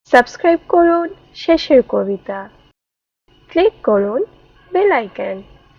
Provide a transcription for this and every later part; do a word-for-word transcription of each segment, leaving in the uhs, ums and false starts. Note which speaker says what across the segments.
Speaker 1: Subscribe করুন Shesher Kobita, click করুন bell icon.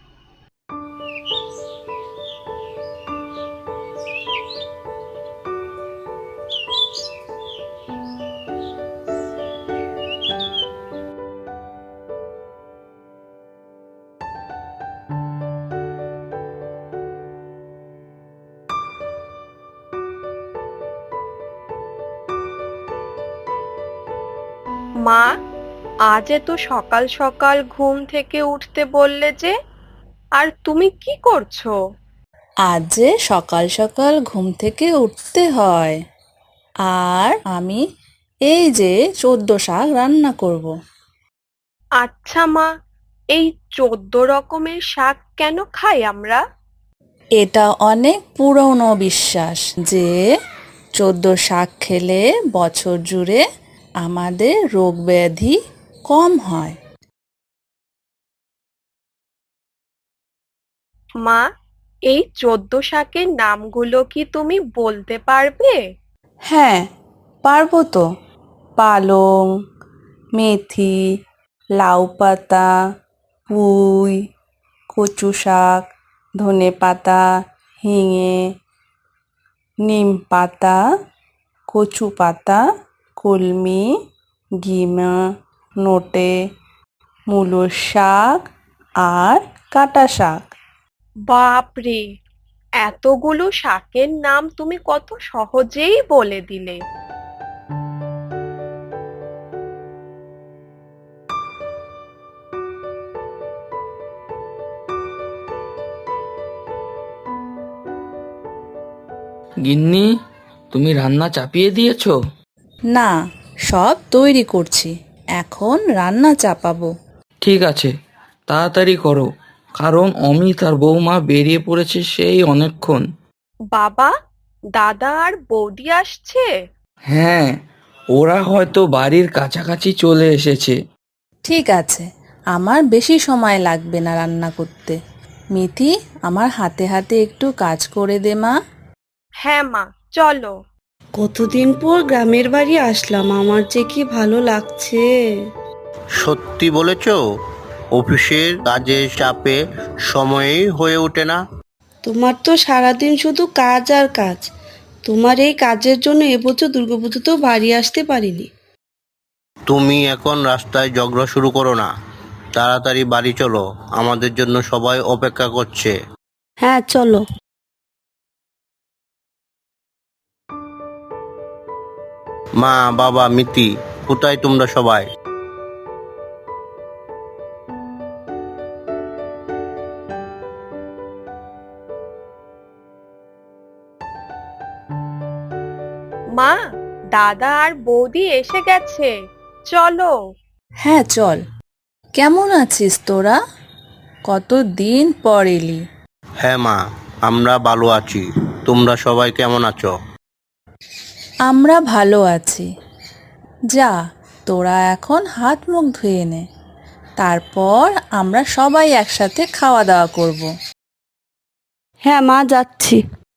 Speaker 2: মা, আজ এত সকাল সকাল ঘুম থেকে উঠতে বললে যে, আর তুমি কি করছো?
Speaker 3: আজ যে সকাল সকাল ঘুম থেকে উঠতে হয়, আর আমি এই যে চোদ্দ শাক রান্না করব।
Speaker 2: আচ্ছা মা, এই চোদ্দ রকমের শাক কেন খাই আমরা?
Speaker 3: এটা অনেক পুরনো বিশ্বাস যে চোদ্দ শাক খেলে বছর জুড়ে আমাদের রোগ ব্যাধি কম হয়।
Speaker 2: মা, এই চোদ্দ শাকের নামগুলো কি তুমি বলতে পারবে?
Speaker 3: হ্যাঁ, পারবো তো। পালং, মেথি, লাউ পাতা, পুঁই, কচু শাক, ধনে পাতা, হিঙে, নিম পাতা, কচু পাতা, কলমি, গিমা, নোটে, মূলো শাক আর কাটা শাক।
Speaker 2: বাপরে, এতগুলো শাকের নাম তুমি কত সহজেই বলে দিলে।
Speaker 4: গিন্নি, তুমি রান্না চাপিয়ে দিয়েছো?
Speaker 3: না, সব তৈরি করছি, এখন রান্না চাপাবো।
Speaker 4: ঠিক আছে, তাড়াতাড়ি করো, কারণ অমিত আর বৌমা বেরিয়ে পড়েছে সেই অনেকক্ষণ।
Speaker 2: বাবা, দাদা আর বৌদি আসছে?
Speaker 4: হ্যাঁ, ওরা হয়তো বাড়ির কাছাকাছি চলে এসেছে।
Speaker 3: ঠিক আছে, আমার বেশি সময় লাগবে না রান্না করতে। মিথি, আমার হাতে হাতে একটু কাজ করে দে মা।
Speaker 2: হ্যাঁ মা, চলো।
Speaker 5: কতদিন পর গ্রামের বাড়ি আসলাম, আমার যে কি ভালো লাগছে।
Speaker 6: সত্যি বলেছ, অফিসের কাজের চাপে সময়ই হয়ে ওঠে না।
Speaker 5: তোমার তো সারাদিন শুধু কাজ আর কাজ। তোমার এই কাজের জন্য এবছর দুর্গাপুজোতেও বাড়ি আসতে পারিনি।
Speaker 6: তুমি এখন রাস্তায় ঝগড়া শুরু করো না, তাড়াতাড়ি বাড়ি চলো, আমাদের জন্য সবাই অপেক্ষা করছে।
Speaker 5: হ্যাঁ, চলো।
Speaker 6: মা, বাবা, মিতি, কোথায় তোমরা সবাই?
Speaker 2: মা, দাদা আর বৌদি এসে গেছে, চলো।
Speaker 3: হ্যাঁ চল। কেমন আছিস তোরা? কতদিন পর এলি।
Speaker 6: হ্যাঁ মা, আমরা ভালো আছি। তোমরা সবাই কেমন আছো?
Speaker 3: আমরা ভালো আছি। যা, তোরা এখন হাত মুখ ধুয়ে নে, তারপর আমরা সবাই একসাথে খাওয়া দাওয়া করব।
Speaker 5: হ্যাঁ মা, যাচ্ছি।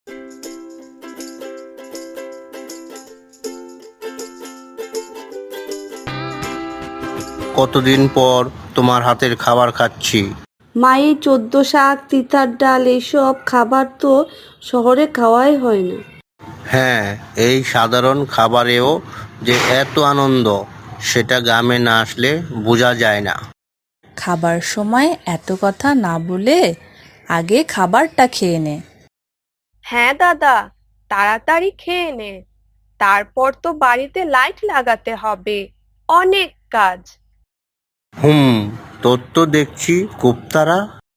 Speaker 6: কতদিন পর তোমার হাতের খাবার খাচ্ছি।
Speaker 5: মা, এই চোদ্দ শাক, তিতার ডাল, এইসব খাবার তো শহরে খাওয়াই হয় না।
Speaker 6: হ্যাঁ, এই সাধারণ খাবারেও যে এত আনন্দ, সেটা গ্রামে না আসলে বোঝা যায় না।
Speaker 3: খাবার সময় এত কথা না বলে আগে খাবারটা খেয়ে নে।
Speaker 2: হ্যাঁ দাদা, তাড়াতাড়ি খেয়ে নে, তারপর তো বাড়িতে লাইট লাগাতে হবে, অনেক কাজ।
Speaker 6: হুম, তোর তো দেখছি খুব তাড়া।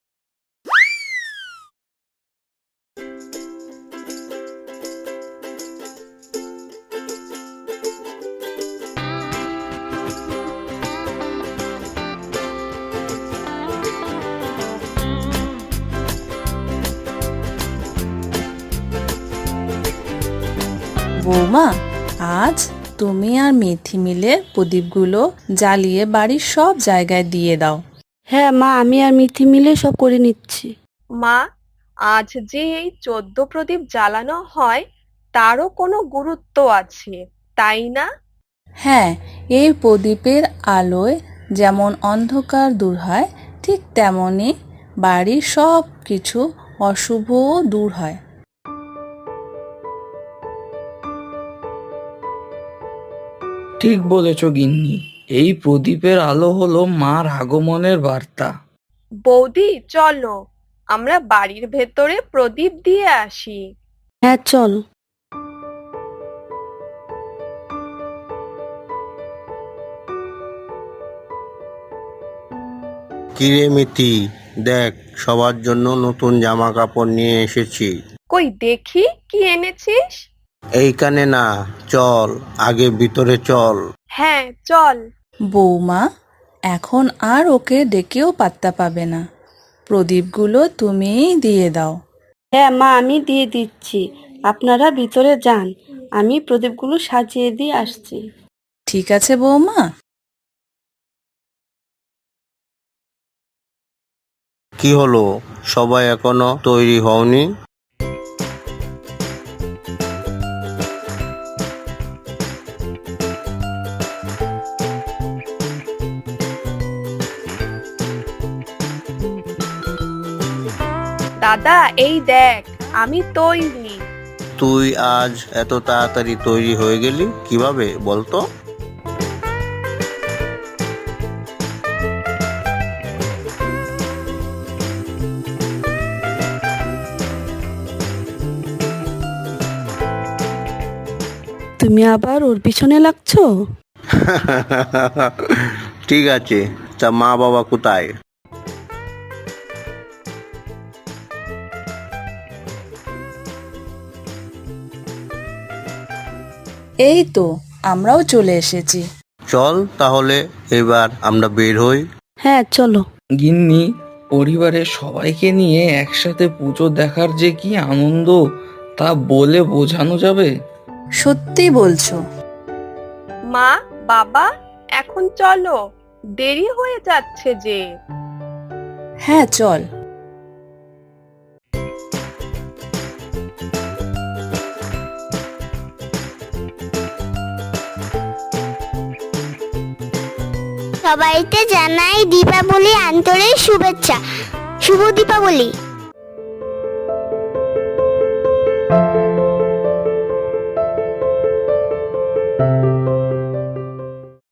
Speaker 3: বৌমা, আজ তুমি আর মেথি মিলে প্রদীপগুলো জ্বালিয়ে বাড়ির সব জায়গায় দিয়ে দাও।
Speaker 5: হ্যাঁ মা, আমি আর মিথি মিলে সব করে নিচ্ছি।
Speaker 2: মা, আজ যে এই চোদ্দ প্রদীপ জ্বালানো হয়, তারও কোনো গুরুত্ব আছে, তাই না?
Speaker 3: হ্যাঁ, এই প্রদীপের আলোয় যেমন অন্ধকার দূর হয়, ঠিক তেমনই বাড়ির সব কিছু অশুভও দূর হয়।
Speaker 4: ঠিক বলেছ গিন্নি, এই প্রদীপের আলো হলো মার আগমনের বার্তা।
Speaker 2: বৌদি চলো আমরা বাড়ির ভেতরে প্রদীপ দিয়ে আসি।
Speaker 5: হ্যাঁ চল।
Speaker 6: কিরে মিতি, দেখ সবার জন্য নতুন জামা কাপড় নিয়ে এসেছি।
Speaker 2: কই দেখি কি এনেছিস।
Speaker 6: এইখানে না, চল আগে ভিতরে চল।
Speaker 2: হ্যাঁ চল।
Speaker 3: বৌমা এখন আর ওকে ডেকেও পাত্তা পাবে না, প্রদীপগুলো তুমিই দিয়ে দাও।
Speaker 5: হ্যাঁ মা, আমি দিয়ে দিচ্ছি, আপনারা ভিতরে যান, আমি প্রদীপগুলো সাজিয়ে দিয়ে আসছি।
Speaker 3: ঠিক আছে বৌমা।
Speaker 6: কি হলো, সবাই এখনো তৈরি হওনি?
Speaker 2: দাদা এই দেখ আমি তৈরি।
Speaker 6: তুই আজ এত তাড়াতাড়ি তৈরি হয়ে গেলি কিভাবে বলতো?
Speaker 5: তুমি আবার ওর পিছনে লাগছো?
Speaker 6: ঠিক আছে, তা মা বাবা কোথায়?
Speaker 3: এই তো আমরাও চলে এসেছি।
Speaker 6: চল তাহলে এবার আমরা বের হই।
Speaker 5: হ্যাঁ চলো।
Speaker 4: গিন্নি, পরিবারের সবাইকে নিয়ে একসাথে পুজো দেখার যে কি আনন্দ, তা বলে বোঝানো যাবে?
Speaker 3: সত্যি বলছো?
Speaker 2: মা বাবা এখন চলো, দেরি হয়ে যাচ্ছে যে।
Speaker 3: হ্যাঁ চল।
Speaker 7: সবাইকে জানাই দীপাবলি আন্তরিক শুভেচ্ছা। শুভ দীপাবলি।